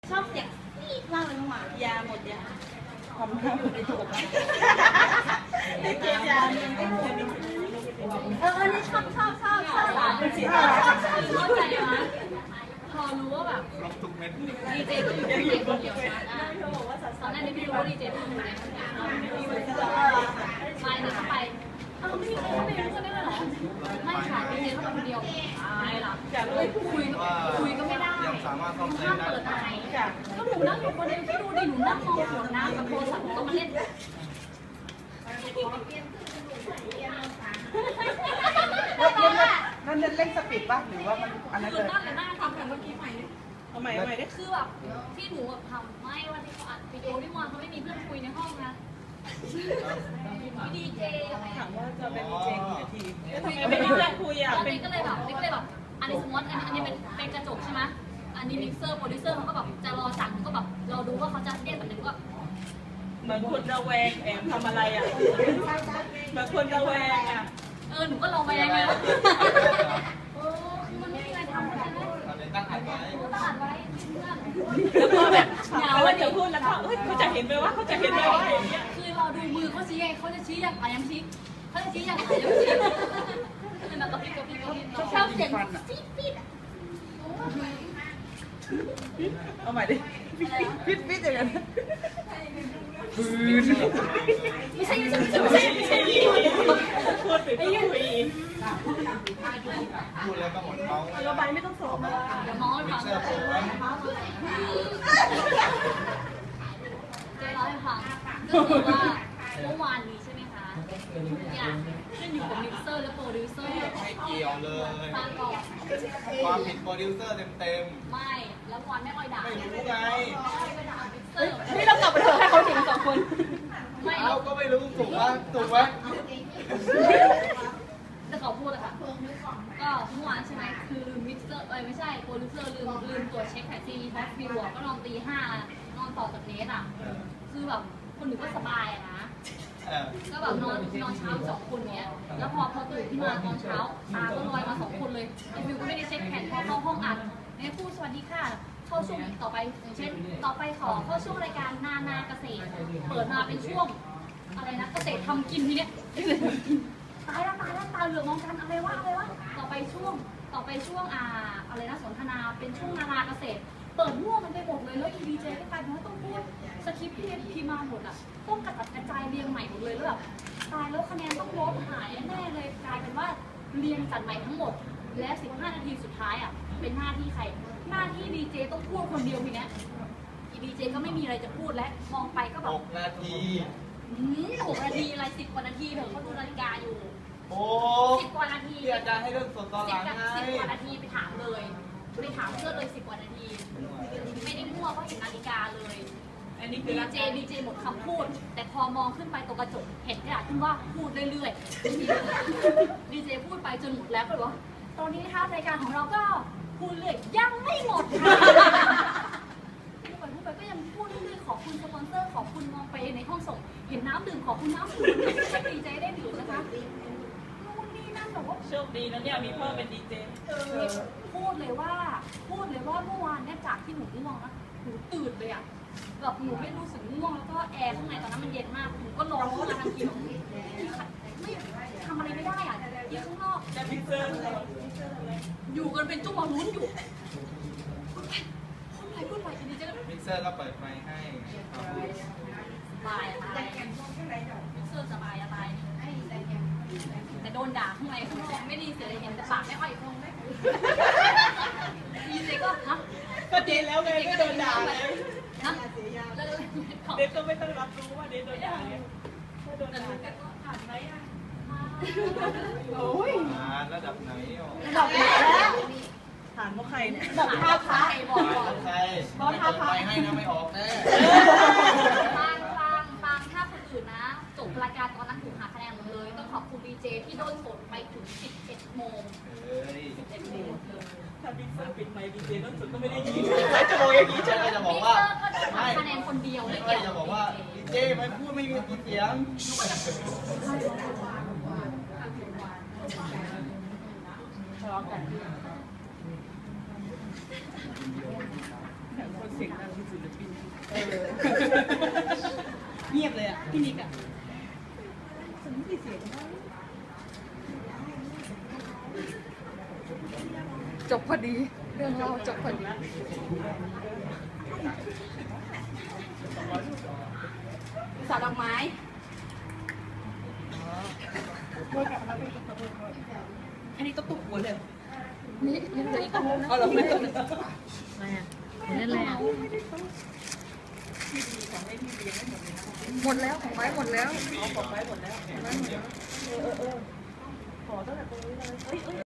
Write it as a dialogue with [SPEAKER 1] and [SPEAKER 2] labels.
[SPEAKER 1] ชอบเสียงฟีดมากเลยน้องหมายาหมดยาทำให้อยู่ในถุงได้เกียร์ยาเนี่ยนี่ชอบเข้าใจไหมพอรู้ว่าแบบดีเจก็อยู่ในคนเดียวนะตอนนั้นไม่รู้ว่าดีเจเป็นคนเดียวไปเลยเข้าไปไม่มีใครเข้าไปรู้กันได้เลยเหรอไม่ค่ะดีเจเข้าไปคนเดียวไม่หรอกคุยก็ไม่ได้ห้ามเปิดไมค์ก็หนูนั่งอยู่คนเดียวที่ดูดิหนูนั่งมองขวดน้ำกับโทรศัพท์ก็มาเล่น
[SPEAKER 2] นั่นเล่นสปีดป่ะหรือว่ามันอันนั้นเลย
[SPEAKER 1] น่าทำกันเมื่อกี้ใหม่เอาใหม่ได้คือแบบที่หนูแบบทำไม่วันที่เขาอัดวิดีโอที่มอนเขาไม่มีเพื่อนคุยในห้องนะดีเจ
[SPEAKER 2] ถามว่าจะเป็นดีเจกี่นาที
[SPEAKER 1] ทำไมไม่มีเพื่อนคุยอ่ะนี่ก็เลยแบบอันนี้สมมติอันนี้เป็นกระจกใช่ไหมอันนี้มิกเซอร์โปรดิวเซอร์เขาก็แบบจะรอสั่งก็แบบเราดูว่าเขาจะเรียกแบบไหนก็
[SPEAKER 2] เหมือนคนระแวงแอบทำอะไรอ่ะเหมือนคนระแวงอ่ะ
[SPEAKER 1] หนูก็ระแวงเลยมันไม่มีอะไรทำใช่ไหมตั้งอัดไว้
[SPEAKER 2] แล้วพอแบบเหงาเดี๋ยวพูดแล้วก็เขาจะเห็นไหมว่าเขาจะเห็นไหมว่าอย่างเงี้ย
[SPEAKER 1] คือเราดูมือเขาชี้ไงเขาจะชี้อย่างไรยังชี้เขาจะชี้อย่างไรยังชี้เป็นแบบกระพริบชอบเสียงฟีด
[SPEAKER 2] เอาใหม่ดิฟีดอย่างนั้น
[SPEAKER 1] ไม่ใช่พูดไป
[SPEAKER 3] พูดแล้วก็หมดเมา
[SPEAKER 2] เราใบไม่ต้องสอบ
[SPEAKER 1] เดี๋ยวมองให้ฟังเจ๊ร้อยฟังก็คือว่าเมื่อวานนี้ใช่ไหมคะอย่างขึ้นอยู่กับมิกเซอร์และโปรดิวเซอร์
[SPEAKER 3] ไม่เกี่ยวเลย
[SPEAKER 1] ฟังก่อน
[SPEAKER 3] ความผิดโปรดิวเซอร์เต็ม
[SPEAKER 1] ไม่แล้ววันไม่ค่อยด่า
[SPEAKER 3] ไม่รู้ไง
[SPEAKER 1] ไม่ด่ามิกเซอร์
[SPEAKER 2] นี่เรากลับไปเถอะให้เขาเห็นสองคน
[SPEAKER 3] เราก็ไม่รู้ถูกไหม
[SPEAKER 1] จะขอพูดเลยค่ะก็เมื่อวานใช่ไหมคือลืมมิกเซอร์ไม่ใช่โปรดิวเซอร์ลืมตัวเช็คแผ่นซีดีแพ็คฟิวก็นอนตี 5นอนต่อจากเนสอ่ะคือแบบคนหนึ่งก็สบายนะก็แบบนอนเช้า2 คนเนี้ยแล้วพอตื่นขึ้นมาตอนเช้าตาก็ลอยมา2 คนเลยไอ้ฟิวก็ไม่ได้เช็คแผ่นพอเข้าห้องอัดเนี่ยพูดสวัสดีค่ะเข้าช่วงต่อไปอย่างเช่นต่อไปขอเข้าช่วงรายการนาเกษตรเปิดมาเป็นช่วงอะไรนะเกษตรทำกินทีเนี้ยตายแล้วตาเหลือกมองกันอะไรวะต่อไปช่วงอะไรนะสนทนาเป็นช่วงนาเกษตรเปิดมั่วมันไปหมดเลยแล้วดีเจก็กลายเป็นว่าต้องพูดสคริปต์ที่มาหมดอ่ะต้องกระจายเรียงใหม่หมดเลยแล้วแบบตายแล้วคะแนนต้องลดหายแน่เลยกลายเป็นว่าเรียงจัดใหม่ทั้งหมดและ15 นาทีสุดท้ายอ่ะเป็นหน้าที่ใครหน้าที่ดีเจต้องพูดคนเดียวทีเนี้ยดีเจก็ไม่มีอะไรจะพูดและมองไปก็แบบ
[SPEAKER 3] 6 นาที
[SPEAKER 1] 6 นาทีอะไร10 กว่านาทีเถอะเขาดูนาฬิกาอยู่10 กว่านาที
[SPEAKER 3] ที่อาจารย์ให้เรื่องสดตอนหลังไง
[SPEAKER 1] 10 กว่านาทีไปถามเพื่อนเลย10 กว่านาทีไม่ได้มั่วเพราะเห็นนาฬิกาเลย
[SPEAKER 2] อันนี้คือ
[SPEAKER 1] ดีเจหมดคำพูดแต่พอมองขึ้นไปตรงกระจกเห็นกระดาษขึ้นว่าพูดเรื่อยๆดีเจพูดไปจนหมดแล้วก็เลยว่าตอนนี้นะคะรายการของเราก็พูดเลยยังไม่หมดพูดไปก็ยังพูดเรื่อยๆขอบคุณสปอนเซอร์ขอบคุณมองไปในห้องส่งเห็นน้ำดื่มขอบคุณน้ำดื่มดีใจได้ดื่มนะคะนู่นนี่นั่นแบบว่า
[SPEAKER 2] โชคดีนะเนี่ยมีพ่อเป็นดีเจ
[SPEAKER 1] พูดเลยว่าเมื่อวานเนี่ยจากที่หนูง่วงนะหนูตื่นเลยอ่ะแบบหนูไม่รู้สึกง่วงแล้วก็แอร์ข้างในตอนนั้นมันเย็นมากหนูก็ร้อนขึ้นมาทันทีไม่ทำอะไรไม่ได้อ่ะที่ข้างนอกอยู่กันเป็นจุ๊บลุ้นอยู่พูดไปดีเจ
[SPEAKER 3] มิกเซอร์ก็เปิดไมค์ให้
[SPEAKER 1] สบายอะไรมิกเซอร์สบายอะไรแต่โดนด่าข้างในข้างนอกไม่ดีเสียเลยเห็นแต่ปากไม่ค่อยคงได้ดีเจก็
[SPEAKER 2] ก็ดีแล้วไงไม่โดนด่าเลย
[SPEAKER 1] นะ
[SPEAKER 2] เด็กก็ไม่ต้องรับรู้ว่าเด็กโดนด่าเนี่ยโดนด่า
[SPEAKER 1] ก็ผ่านไหมอ่ะ
[SPEAKER 2] โอ้ย
[SPEAKER 3] ระดับไหน
[SPEAKER 1] ระดับไหนแล้ว
[SPEAKER 2] ถามว่าใครเนี่ย
[SPEAKER 1] บอกท่าพระบอก
[SPEAKER 3] ใครบอกท่าพระให้นะไม่ออกแน่
[SPEAKER 1] ฟังถ้าคนอื่นนะจบรายการตอนนั้นถูกหาคะแนนหมดเลยต้องขอบคุณดีเจที่โดนสดไปถึง11 โมง
[SPEAKER 2] ถ้าบิ๊กเซอร์ปิดไมค์ดีเจนั่นสุดก็ไม่ได้ยินจะบอกอย่างนี้ใช่ไหม
[SPEAKER 3] จะบอกว่า
[SPEAKER 1] ไม่คะแนนคนเดียวเลย
[SPEAKER 3] เกี่ยวจะบอกว่าดีเจไม่พูดไม่มีเสียง
[SPEAKER 2] ทะเลาะกันคนเสียงดังพี่นิกอะ
[SPEAKER 1] จบพอดี เรื่องเราจบพอดี
[SPEAKER 2] สาดอกไม้อันนี้ต้องตุกหัวเลย
[SPEAKER 1] นี่ยังเหลืออีกอันนึงนะ
[SPEAKER 2] เอาเราไม่ต้อง
[SPEAKER 1] อะไรอ่ะเล่นอะไรอ่ะหมดแล้วของไว้หมดแล้ว
[SPEAKER 2] เอาของไว้หมดแล้ว
[SPEAKER 1] ไว้หมดแล้ว
[SPEAKER 2] ขอตั้งแต่ตรงนี้เลย